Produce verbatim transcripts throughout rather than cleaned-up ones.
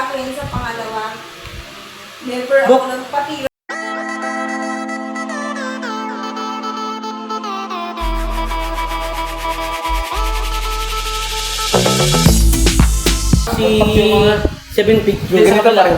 akin sa pangalawa. Never ako Bok. nagpatira. Si seven picture. Ganito pa rin.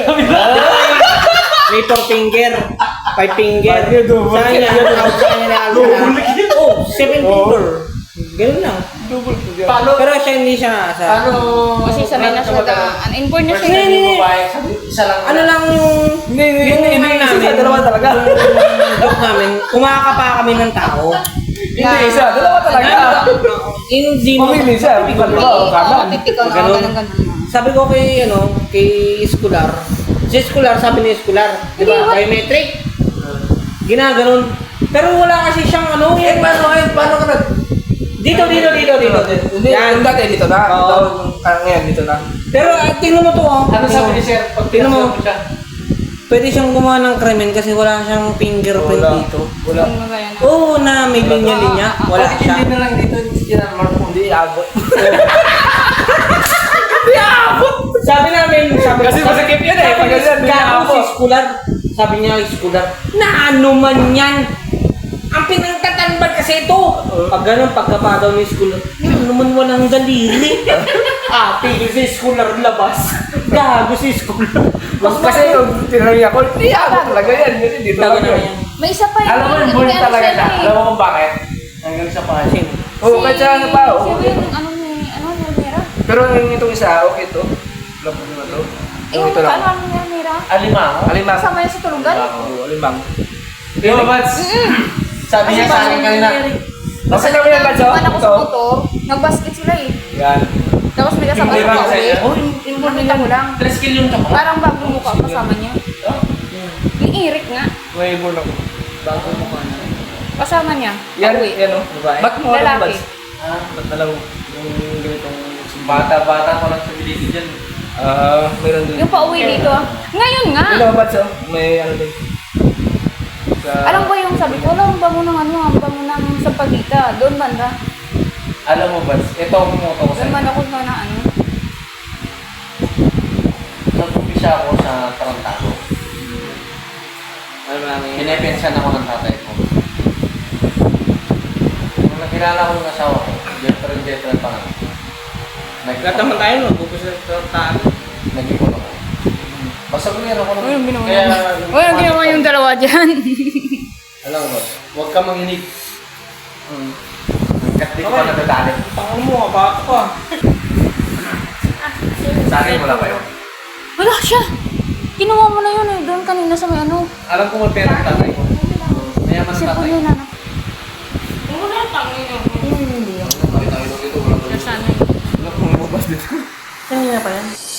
May four finger, five finger. Bakit double? Sa kanya, sa kanya na Double. Oh, seven finger. Ganun lang. Double po yan. Paano? Pero siya hindi siya sa... Paano? Kasi sanay na siya na, un-inborn na siya. Hindi, hindi, hindi. Isa lang. Ano lang yung... Hindi, hindi, yung hindi, hindi, ano isa, namin, dalawa talaga. yung joke namin, kumakapa kami ng tao. Hindi, isa, dalawa talaga. Hindi mo... Pumili siya. Sabi ko, Pumili. Oo, Oo, kama. pipikaw na Ganun. ganun ganun. sabi ko kay, ano, kay Escolar. Si Escolar, sabi ni Escolar, di ba, biometric. Ginaganon. Pero wala kasi siyang ano, Eh, yung... paano ngayon? Paano ka nag... Dito, dito, dito, dito. Hindi, yung dati dito na. Oo. Ito, yung ah, ngayon dito na. Pero uh, tingnan mo to, oh. Ano sabi ni Sir? Pag Tingnan mo. pinasok mo siya? Pwede siyang gumawa ng krimen kasi wala siyang fingerprint Wala. dito. Wala. Ano ba yan? Oo, na may linya-linya. Wala Bakit siya. hindi na lang dito ginamar mo? Hindi, abot. Sabi namin, sabi Kasi masakit yan eh, pag ganyan, hindi Gago ako. si Escolar. Sabi niya, Escolar, na ano man yan? Ang pinagtatanbad kasi ito. Pag ganun, pagkapa daw ni Escolar, yun naman walang daliri. ah, pili si Escolar labas. Gago si Escolar. Mas kasi yung tinanong niya ko, hindi abot talaga yan. Kasi dito Tago lang na yan. yan. May isa pa yun. Alam mo yung May born ano talaga siya siya. eh. Alam mo kung bakit? Hanggang sa pangasin. Oo, kahit sa ano pa. oo. Siya yung ano ni, ano ni Almira? Pero yung itong isa, okay to. Alam mo naman to. Eh, Yung yung ito lang. ano ano ni Almira? Alimango? Alimang. Kasama niya sa tulugan? Oo, alimang. Di ba, Bats? Sabi niya sa akin kanina. Basta kami yan, Badzo. Kuman ako sa Ito. motor, nag-basket sila eh. Yan. Tapos may kasama Hindi sa ba pauwi. sa'yo? Oh, yung nakita ko lang. Tres kill yung chocolate. Parang bagong mukha kasama niya. Yung Eric nga, May born ako. Bago mo ka na. kasama niya. Yan, Pauwi. yan o. Babae? Ba't mo alam, Lalaki. Bads? Ah, Ba't alam mo? Yung ganitong... bata-bata ko lang sa bilisi dyan. Ah, mayroon din. Yung pauwi dito ah. Ngayon nga. Ito, Bads, oh. May ano din. Sa... Alam ko yung sabi ko, alam ba mo ng ano, ang ba mo ng sampagita. Doon banda. Alam mo, Bats, ito ang mumoto ko Doon sa'yo. banda ko na na ano. Nag-umpisa ako sa Tarantado. Alam namin. Pinepensan ako ng tatay ko. Nung nakilala ko yung asawa ko, girlfriend, girlfriend pa nga. Lahat naman tayo, magpupus na ito tayo. Nag-ipon ako. Basta meron ako. Uy, yung ginawa Kaya, niya. Uy, yung ginawa yung dalawa dyan. Alam mo, huwag ka manginig. Hmm. Kasi di ko pa nadadali. Tangan mo, kabato ka. Sa akin, wala pa yun. Wala siya. Kinuha mo na yun eh. Doon kanina sa may ano. Alam ko may pera ng tatay ko. Mayaman ng Kasi po tatay. yun ano. Wala, tangin na. Hindi. Tayo-tayo lang ito, wala pa. Sana. Wala kong lumabas dito. Kanina pa yan.